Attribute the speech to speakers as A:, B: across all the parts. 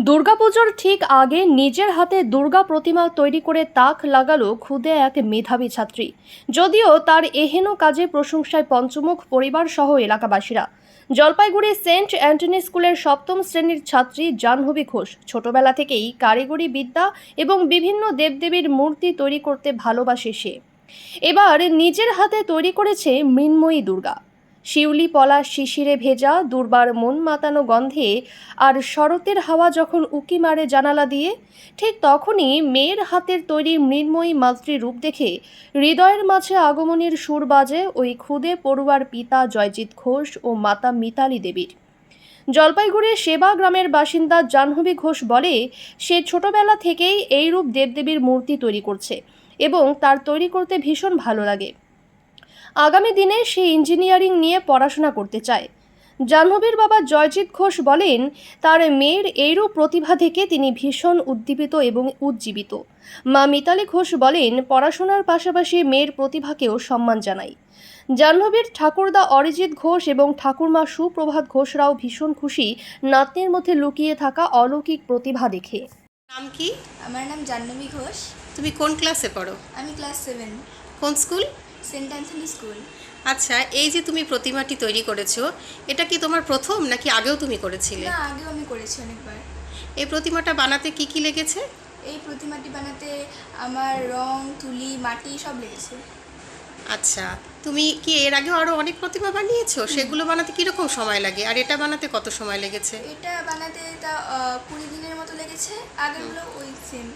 A: দুর্গাপুজোর ঠিক আগে নিজের হাতে দুর্গা প্রতিমা তৈরি করে তাক লাগালো খুদে এক মেধাবী ছাত্রী। যদিও তার এহেন কাজে প্রশংসায় পঞ্চমুখ পরিবার সহ এলাকাবাসীরা। জলপাইগুড়ি সেন্ট অ্যান্টনি স্কুলের সপ্তম শ্রেণীর ছাত্রী জাহ্নবী ঘোষ ছোটবেলা থেকেই কারিগরি বিদ্যা এবং বিভিন্ন দেবদেবীর মূর্তি তৈরি করতে ভালোবাসে সে। এবার নিজের হাতে তৈরি করেছে মৃন্ময়ী দুর্গা। শিউলি পলাশ শিশিরে ভেজা দুর্বার মন মাতানো গন্ধে আর শরতের হাওয়া যখন উকি মারে জানালা দিয়ে, ঠিক তখনই মেয়ের হাতের তৈরি মৃন্ময়ী মাতৃরূপ দেখে হৃদয়ের মাঝে আগমনের সুর বাজে ওই খুদে পড়ুয়ার পিতা জয়জিৎ ঘোষ ও মাতা মিতালি দেবীর। জলপাইগুড়ির সেবা গ্রামের বাসিন্দা জাহ্নবী ঘোষ বলে, সে ছোটবেলা থেকেই এইরূপ দেবদেবীর মূর্তি তৈরি করছে এবং তার তৈরি করতে ভীষণ ভালো লাগে। আগামী দিনে সে ইঞ্জিনিয়ারিং নিয়ে পড়াশোনা করতে চায়। জাহ্নবীর বাবা জয়জিৎ ঘোষ বলেন, তার মেয়ের এইরূপ প্রতিভা থেকে তিনি ভীষণ উদ্দীপিত এবং উজ্জীবিত। মা মিতালি ঘোষ বলেন, পড়াশোনার পাশাপাশি মেয়ের প্রতিভাকেও সম্মান জানাই। জাহ্নবীর ঠাকুরদা অরিজিৎ ঘোষ এবং ঠাকুরমা সুপ্রভাত ঘোষরাও ভীষণ খুশি নাতনির মধ্যে লুকিয়ে থাকা অলৌকিক প্রতিভা দেখে।
B: নাম কি?
C: আমার নাম জাহ্নবী ঘোষ।
B: তুমি কোন ক্লাসে পড়ো?
C: আমি ক্লাস 7,
B: কোন স্কুল?
C: Saint Anthony school.
B: আচ্ছা, এই যে তুমি প্রতিমাটি তৈরি করেছো, এটা কি তোমার প্রথম নাকি আগেও তুমি করেছিলে?
C: না, আগেও আমি করেছি অনেকবার।
B: এই প্রতিমাটা বানাতে কি কি লেগেছে?
C: এই প্রতিমাটি বানাতে আমার রং, তুলি, মাটি সব লেগেছে।
B: আচ্ছা, তুমি কি এর আগে আরও অনেক প্রতিমা বানিয়েছো? সেগুলো বানাতে কীরকম সময় লাগে, আর এটা বানাতে কত সময় লেগেছে?
C: এটা বানাতে তা 20 দিনের মতো লেগেছে। আগেরগুলো ওই সেম।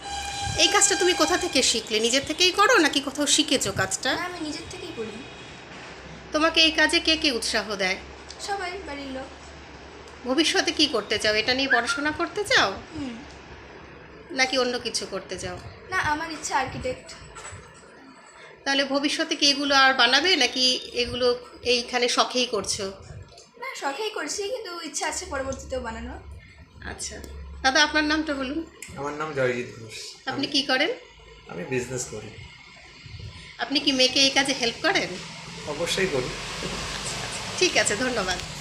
B: এই কাজটা তুমি কোথা থেকে শিখলে? নিজের থেকেই করো নাকি কোথাও শিখেছো কাজটা?
C: না, আমি নিজের থেকেই করি।
B: তোমাকে এই কাজে কে কে উৎসাহ দেয়?
C: সবাই, বাড়ির লোক।
B: ভবিষ্যতে কি করতে চাও? এটা নিয়ে পড়াশোনা করতে চাও
C: হুম।
B: নাকি অন্য কিছু করতে চাও?
C: না, আমার ইচ্ছা আর্কিটেক্ট।
B: তাহলে ভবিষ্যতে কি এগুলো আর বানাবে নাকি এগুলো এইখানে শখেই করছো?
C: না, শখেই করছি, কিন্তু ইচ্ছা আছে পরবর্তীতেও বানানো।
B: আচ্ছা, দাদা আপনার নামটা বলুন।
D: আমার নাম জয়জিৎ ঘোষ।
B: আপনি কি করেন?
D: আমি বিজনেস করি।
B: আপনি কি মেয়েকে এই কাজে হেল্প করেন?
D: অবশ্যই করি।
B: ঠিক আছে, ধন্যবাদ।